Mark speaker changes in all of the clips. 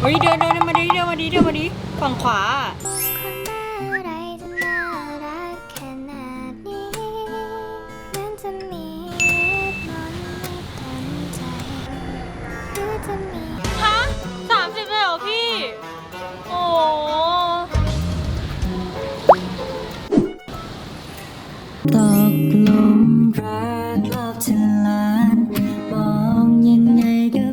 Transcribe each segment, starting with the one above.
Speaker 1: เฮ้ยเดินมาดิฝั่งขวาฮะ30เลยเหรอพี่โอ้
Speaker 2: ตกหลุมรักรอบเธอล้านมองยังไงก็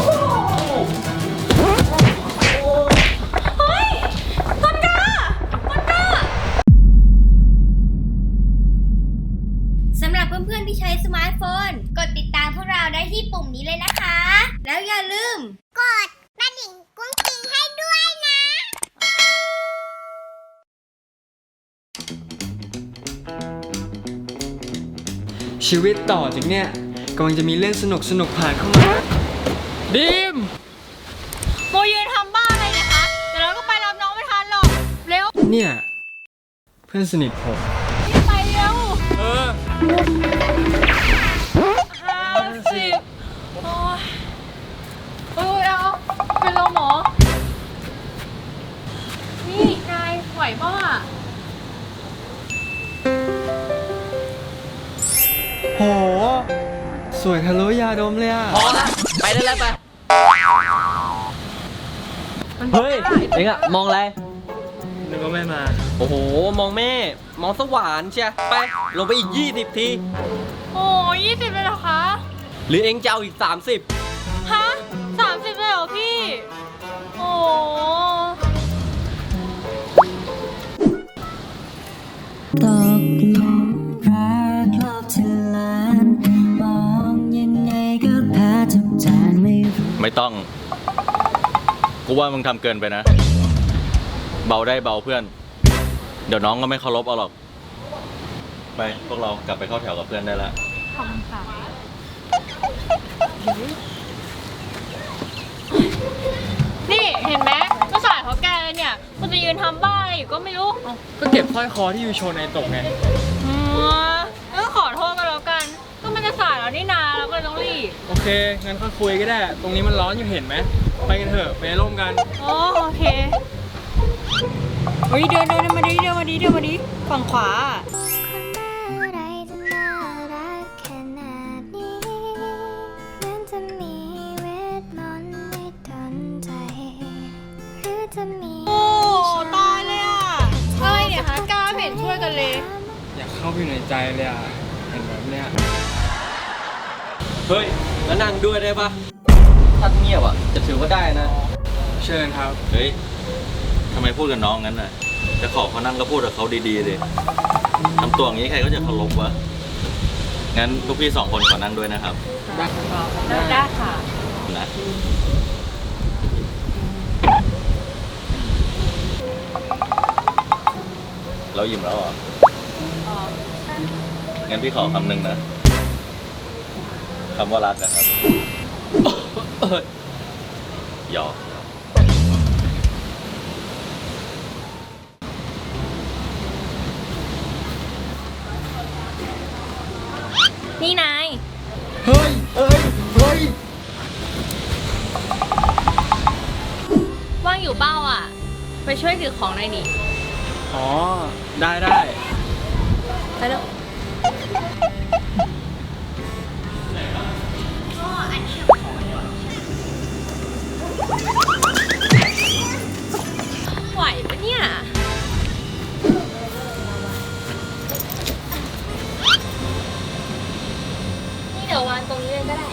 Speaker 3: สำหรับเพื่อนๆที่ใช้สมาร์ทโฟนกดติดตามพวกเราได้ที่ปุ่มนี้เลยนะคะ แล้วอย่าลืมกดกระดิ่งกุ้งกิ้งให้ด้วยนะ
Speaker 4: ชีวิตต่อจากเนี่ยกำลังจะมีเรื่องสนุกผ่านเข้ามาดิม
Speaker 1: โมยืนทำบ้าอะไรเนี่ยคะเดี๋ยวเราก็ไปรับน้องไม่ทันหรอกเร็ว
Speaker 4: เนี่ยเพื่อนสนิทผม
Speaker 1: รีบไปเร็ว
Speaker 4: เออ
Speaker 1: 50โอ้ยเอาเป็นลมหมอนี่นายไหวป่ะ
Speaker 4: โหสวยทะลุยาดมเลยอ่ะ
Speaker 5: พอละไปได้แล้วไปเฮ้ยเอ็งอะมองอะไร
Speaker 4: นึกว่าไม่มา
Speaker 5: โอ้โหมองแม่มองสว่านเชียไปลงไปอีก20 ที
Speaker 1: โอ้20เลยเหรอคะ
Speaker 5: หรือเอ็งจะเอาอีก30
Speaker 1: ฮะ30เลยเหรอพี่โอ้
Speaker 2: ตกหลุมรักรอบเธอล้านมองยังไงก็แพ้ทุกจานไม่รู้
Speaker 6: ไม่ต้อง กูว่ามึงทำเกินไปนะ เบาได้เบาเพื่อน เดี๋ยวน้องก็ไม่เคารพเอาหรอก ไปพวกเรากลับไปเข้าแถวกับเพื่อนได้แล้ว
Speaker 1: ขอบคุณค่ะนี่เห็นไหมก็สายเขาแกเลยเนี่ยมันจะยืนทำบ้าอะไรอยู่ก็ไม่รู้
Speaker 4: ก็เก็บสร้อยคอที่ยูโชว์ในตกไง
Speaker 1: ก็ขอโทษกันแล้วกัน ก็มันจะสายแล้วนี่นาเราก็เลยต้องรีบ
Speaker 4: โอเค งั้นค่อยคุยก็ได้ ตรงนี้มันร้อนอยู่เห็นไหม ไปกันเถอะ ไปร่มกัน
Speaker 1: โอเคเฮ้ยเดินมาดิฝั่งขวาโอ้ตายเลยอ่ะอะไรเนี่ยคะกล้าเห็นช่วยกันเลย
Speaker 4: อยากเข้าไปอยู่ในใจเลยอ่ะ เห็นแบบเนี้ย
Speaker 5: เฮ้ยแล้วนั่งด้วยได้ปะถ้าเงียบอะจะถือว่าได้นะ
Speaker 4: เชิญครับ
Speaker 6: เฮ้ยทำไมพูดกับน้องงั้นน่ะ จะขอเขานั่งก็พูดกับเขาดีๆเลยทำตัวอย่างนี้ใครก็จะเคารพวะ งั้นลูกพี่2 คนขอนั่งด้วยนะครับ
Speaker 1: ได้ค่ะ
Speaker 6: นะ เรายิ้มแล้วเหรอ งั้นพี่ขอคำหนึ่งนะ คำว่ารักนะครับหยอก
Speaker 1: นี่นาย
Speaker 4: เฮ้ย
Speaker 1: ว่างอยู่เป้าอ่ะ ไปช่วยถือของหน่อยดิ
Speaker 4: อ๋อ ได้
Speaker 1: ไปเร็วไหวปะเนี่ย นี่เดี๋ยววางตรงนี้เลยก็ได้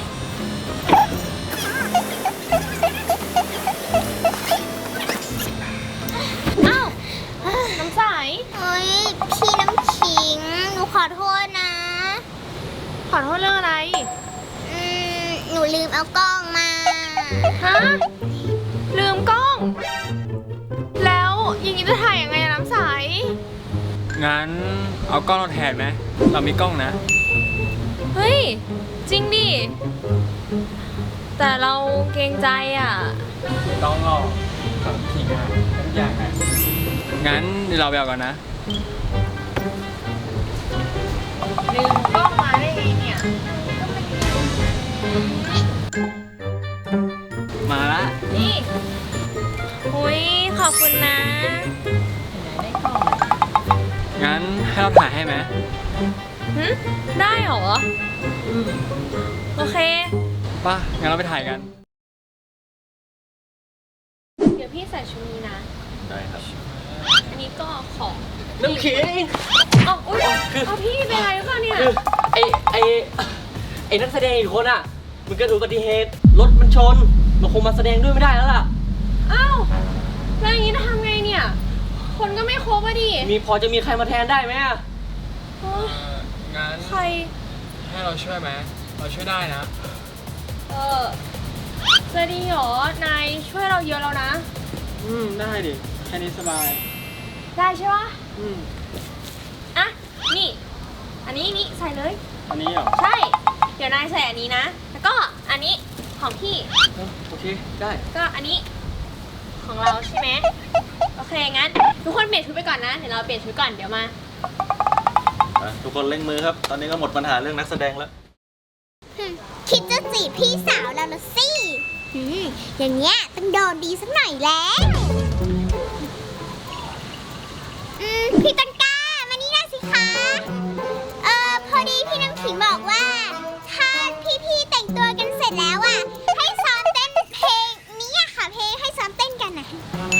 Speaker 1: อ้าว น้ำใส
Speaker 3: เฮ้ย พี่น้ำขิง หนูขอโทษนะ
Speaker 1: ขอโทษเรื่องอะไร
Speaker 3: หนูลืมเอากล้องมา
Speaker 1: ฮะ ลืมกล้อง แล้วอย่างนี้จะถ่ายยังไงอะน้ำใส
Speaker 4: งั้นเอากล้องเราแทนไหม เรามีกล้องนะ
Speaker 1: เฮ้ย จริงดิ แต่เราเกรงใจอ่ะ
Speaker 4: ไม่ต้องหรอกสำคิงอะทุกอย่างอะงั้นเดี๋ยวเราไปเอาก่อนนะ
Speaker 1: ลืมกล้องมาได้ไงเนี่ย
Speaker 4: มาละ
Speaker 1: นี่อบคุณนะ
Speaker 4: งั้นให้เราถ่ายให้ไหม
Speaker 1: ได้เหรอ โอเค
Speaker 4: ป่ะ งั้นเราไปถ่ายกัน
Speaker 1: เดี๋ยวพี่ใส่ชุดนี้นะ
Speaker 6: ได้ครับ
Speaker 1: อันนี้ก็ของ
Speaker 5: น้ำขิง
Speaker 1: เอาอุ้ยเอาพี่เป็นอะไรหรือเปล่าเนี่ย
Speaker 5: คือไอ้นักแสดงอีกคนอ่ะ มันเกิดอุบัติเหตุ รถมันชน มันคงมาแสดงด้วยไม่ได้แล้วล่ะ
Speaker 1: อ้าวแล้วอย่างนี้จะทำไงเนี่ย คนก็ไม่ครบอะดิ
Speaker 5: พอจะมีใครมาแทนได้ไหมอะ
Speaker 1: โอ๊ย
Speaker 4: งั้น
Speaker 1: ใคร
Speaker 4: ให้เราช่วยไหม เราช่วยได้นะ
Speaker 1: จะดีเหรอ นายช่วยเราเยอะแล้วนะ
Speaker 4: ได้ดิ แค่นี้สบาย
Speaker 1: ได้ใช่ปะ
Speaker 4: อืม
Speaker 1: อ่ะ นี่ อันนี้ใส่เลย
Speaker 4: อันนี้เหรอ
Speaker 1: ใช่ เดี๋ยวนายใส่อันนี้นะ แล้วก็อันนี้ของพี่
Speaker 4: โอเค ได้
Speaker 1: ก็อันนี้ของเราใช่ไหมโอเค งั้น ทุกคนเปลี่ยนชุดไปก่อนนะ เดี๋ยวเราเปลี่ยนชุดก่อน เดี๋ยวมา
Speaker 6: ทุกคนเร่งมือครับ ตอนนี้ก็หมดปัญหาเรื่องนักแสดงแล้ว
Speaker 3: คิดจะจีบพี่สาวเราละสิอย่างเงี้ยต้องโดนดีสักหน่อยแล้ว พี่ต้นกล้ามานี่หน่อยสิคะ พอดีพี่น้ำขิงบอกว่า ถ้าพี่ๆแต่งตัวกันเสร็จแล้วอ่ะ ให้ซ้อมเต้นเพลงนี้อะค่ะ เพลงให้ซ้อมเต้นกันนะ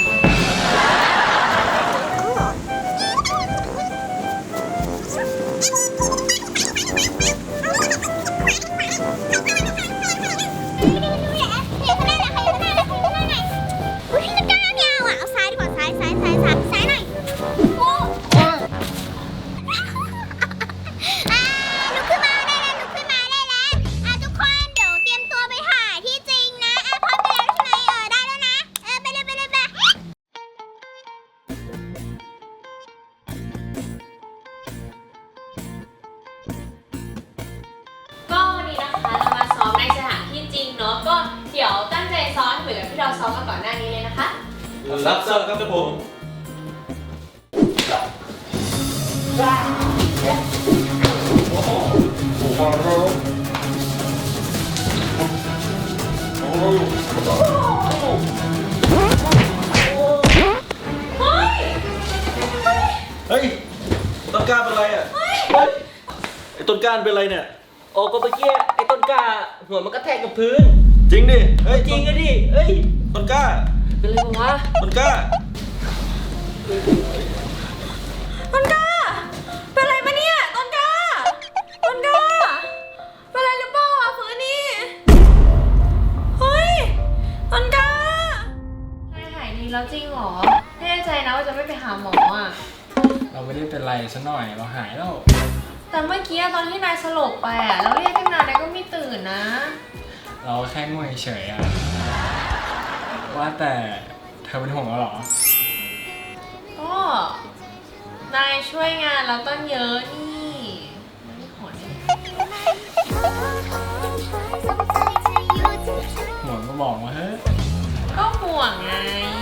Speaker 3: พี่ต้นกล้าไม่เอาอ่ะ เอาซ้ายดีกว่าซ้ายหน่อยโอ้ลุกขึ้นมาได้แล้วทุกคนเดี๋ยวเตรียมตัวไปถ่ายที่จริงนะพร้อมไปแล้วใช่ไหมได้แล้วนะไปเลย
Speaker 1: ก็วันนี้นะคะเรามาซ้อมในสถานที่จริงเนาะ ก็เดี๋ยวตั้งใจซ้อมเหมือนกับที่เราซ้อมมาก่อนหน้านี้เลยนะคะ
Speaker 6: รับทราบครับผม เฮ้ย ต้นกล้าเป็นไรอ่ะ ไอ้ต้นกล้าเป็นไรเนี่ย
Speaker 5: โอ้ก็เมื่อกี้ไอ้ต้นกล้าหัวมันกระแทกกับพื้น
Speaker 6: จริงดิ เฮ้ย
Speaker 5: จริงอะดิ เอ้ย
Speaker 6: ต้นกล้า
Speaker 5: เป็นไรวะ
Speaker 6: ต้นกล้า
Speaker 1: ต้นกล้า เป็นอะไรปะเนี่ย ต้นกล้า เป็นอะไรหรือเปล่าอ่ะฟื้นนี่ เฮ้ย ต้นกล้านายหายดีแล้วจริงเหรอ แน่ใจนะว่าจะไม่ไปหาหมออ่ะ
Speaker 4: เราไม่ได้เป็นไรซะหน่อย เราหายแล้ว
Speaker 1: แต่เมื่อกี้ตอนที่นายสลบไปอ่ะแล้วเรียกตั้งนานนายก็ไม่ตื่นนะ
Speaker 4: เราแค่ง่วงเฉยๆอะว่าแต่เธอเป็นห่วงเราเหรอ
Speaker 1: ก็นายช่วยงานเราตั้งเยอะนี่ไม่ขอเนี่ย
Speaker 4: ห่วงก็บอกมาเฮ้ย
Speaker 1: ก็ห่วงไง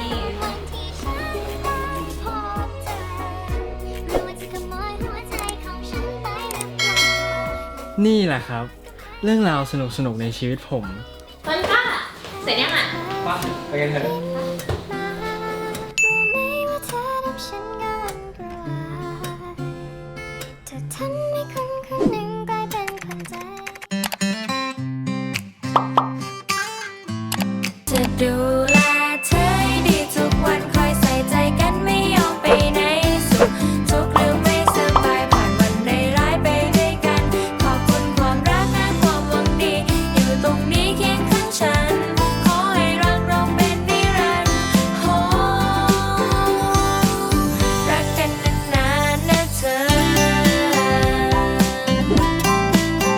Speaker 4: นี่แหละครับ เรื่องราวสนุกๆในชีวิตผม
Speaker 1: ต้นกล้า เสร็จยังอ่ะ
Speaker 4: ป่ะ ไปกันเถอะ
Speaker 2: จะดู